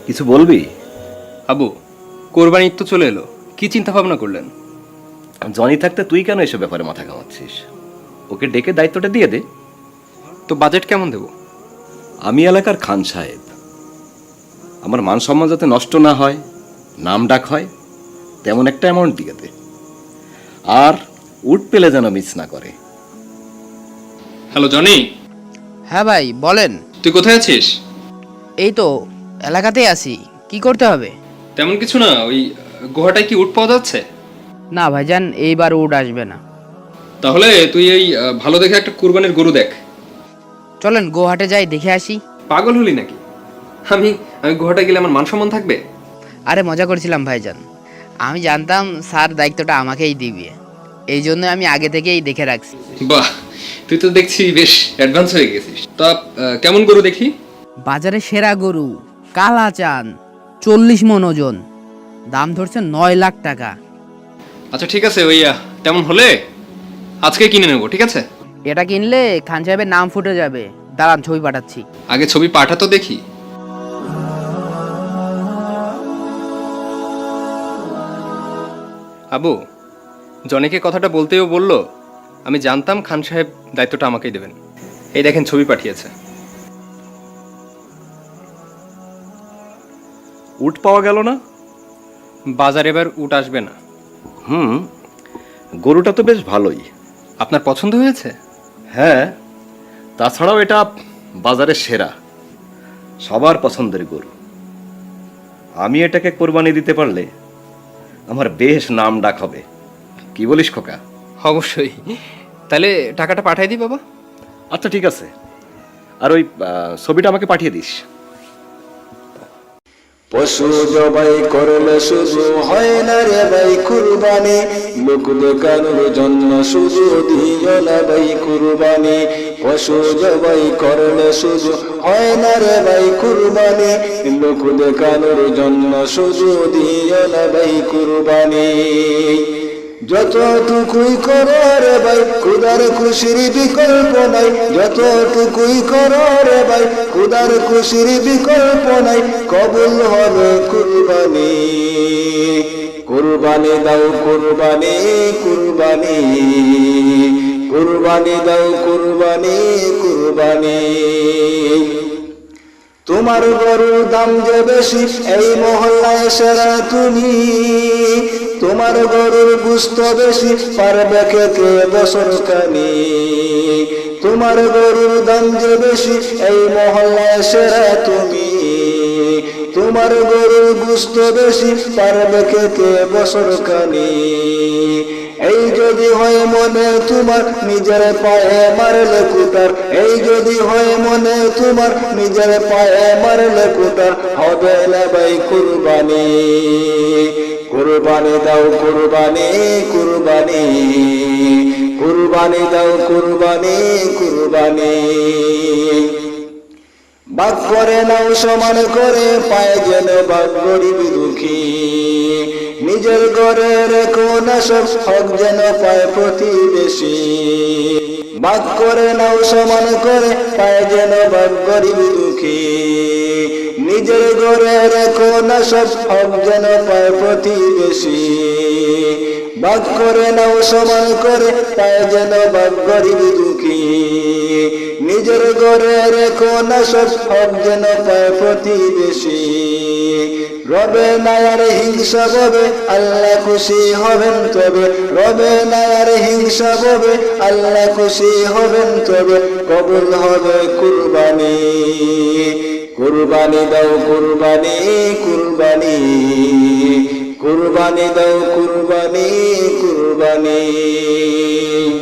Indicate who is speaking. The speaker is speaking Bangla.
Speaker 1: কিছু বলবি?
Speaker 2: আবু, কোরবানি ঈদ তো চলে এলো, কি চিন্তা ভাবনা করলেন?
Speaker 1: জনি থাকতে তুই কেন এসব ব্যাপারে মাথা ঘামাচ্ছিস? ওকে ডেকে দায়িত্বটা দিয়ে দে।
Speaker 2: তো বাজেট কেমন দেব?
Speaker 1: আমি এলাকার খান সাহেব, আমার মান সম্মান যাতে নষ্ট না হয়, নাম ডাক হয়, তেমন একটা অ্যামাউন্ট দিয়ে দে। আর উট পেলে যেন মিস না করে।
Speaker 2: হ্যালো জনি,
Speaker 3: হ্যাঁ ভাই বলেন।
Speaker 2: তুই কোথায় আছিস?
Speaker 3: এই তো এলাকাতেই আছি, কি করতে হবে?
Speaker 2: তেমন কিছু না, ওই গুহাটায় কি উট পাওয়া যাচ্ছে?
Speaker 3: না ভাইজান, এইবার উড আসবে না।
Speaker 2: তাহলে তুই এই ভালো দেখে একটা কুরবানির গরু দেখ।
Speaker 3: চলেন গোহাটে যাই, দেখে আসি।
Speaker 2: পাগল হলি নাকি? আমি আমি গুহাটা গেলে আমার মান সম্মান থাকবে?
Speaker 3: আরে মজা করছিলাম ভাইজান, আমি জানতাম স্যার দায়িত্বটা আমাকেই দিবে, এই জন্য আমি আগে থেকেই দেখে রাখছি।
Speaker 2: বাহ, তুই তো দেখছি বেশ অ্যাডভান্স হয়ে গেছিস। তা কেমন গরু দেখি?
Speaker 3: বাজারে সেরা গরু কালা চান, 40 মন ওজন, দাম ধরছে 9 লাখ টাকা।
Speaker 2: আচ্ছা ঠিক আছে, ওই তেমন হলে আজকে কিনে নেবো, ঠিক আছে?
Speaker 3: এটা কিনলে খান সাহেবের নাম ফুটে যাবে, দাঁড়ান ছবি পাঠাচ্ছি।
Speaker 2: আগে ছবি পাঠা তো দেখি। আবু, জনিকে কথাটা বলতেও বললো, আমি জানতাম খান সাহেব দায়িত্বটা আমাকেই দেবেন। এই দেখেন ছবি পাঠিয়েছে।
Speaker 1: উট পাওয়া গেল না?
Speaker 2: বাজার এবার উট আসবে না।
Speaker 1: গরুটা তো বেশ ভালোই।
Speaker 2: আপনার পছন্দ হয়েছে?
Speaker 1: হ্যাঁ, তাছাড়াও এটা বাজারের সেরা, সবার পছন্দের গরু। আমি এটাকে কোরবানি দিতে পারলে আমার বেশ নাম ডাক হবে। কি বলিস খোকা?
Speaker 2: অবশ্যই, তাহলে টাকাটা পাঠাই দিই বাবা।
Speaker 1: আচ্ছা ঠিক আছে, আর ওই ছবিটা আমাকে পাঠিয়ে দিস।
Speaker 4: পশু জবাই করলে শুধু হয় না রে ভাই কুরবানি, লোক দেখানোর জন্য শুধু দিও না ভাই কুরবানি। পশু জবাই করলে শুধু হয় না রে ভাই কুরবানি, লোক দেখানোর জন্য শুধু দিও না ভাই কুরবানি। যতটুকুই করো রে ভাই খুদার খুশির বিকল্প নাই, যতটুকুই করো রে ভাই খুদার খুশির বিকল্প নাই, কবুল হবে কুরবানি। কুরবানি দাও কুরবানি, কুরবানি, কুরবানি দাও কুরবানি, কুরবানি। তোমার গরুর দাম যে বেশি এই মহল্লায় সেরা তুমি, তোমার গরুর গুস্ত বেশি পারবে খেতে বছর কানি। তোমার গরুর দাম যে বেশি এই মহল্লায় সেরা তুমি, তোমার গরুর গুস্ত বেশি পারবে খেতে বছর কানি। এই যদি হয় মনে তোমার নিজের পায়ে মারলে কুতার, এই যদি হয় মনে তোমার নিজের পায়ে মারলে কুতার, হবে না ভাই কুরবানি। কুরবানি দাও কুরবানি, কুরবানি, কুরবানি দাও কুরবানি, কুরবানি। ভাগ করে নাও সমান করে, পায় যেন ভাগ গরিব দুঃখী, নিজের ঘরে রেখো না সব হক যেন পায় প্রতিবেশী। ভাগ করে নাও সমান করে, পায় যেন ভাগ গরিব দুঃখী, নিজের ঘরে রেখো না সব হক যেন পায় প্রতিবেশী। ভাগ করে নাও সমান করে, পায় যেন ভাগ গরিব দুঃখী, নিজের ঘরে রেখো না সব হক যেন পায় প্রতিবেশী। রবে না আর হিংসা হবে, আল্লাহ খুশি হবেন তবে, রবে না আর হিংসা হবে, আল্লাহ খুশি হবেন তবে, কবুল হবে কুরবানি। কুরবানি দাও কুরবানি, কুরবানি, কুরবানি দাও কুরবানি, কুরবানি।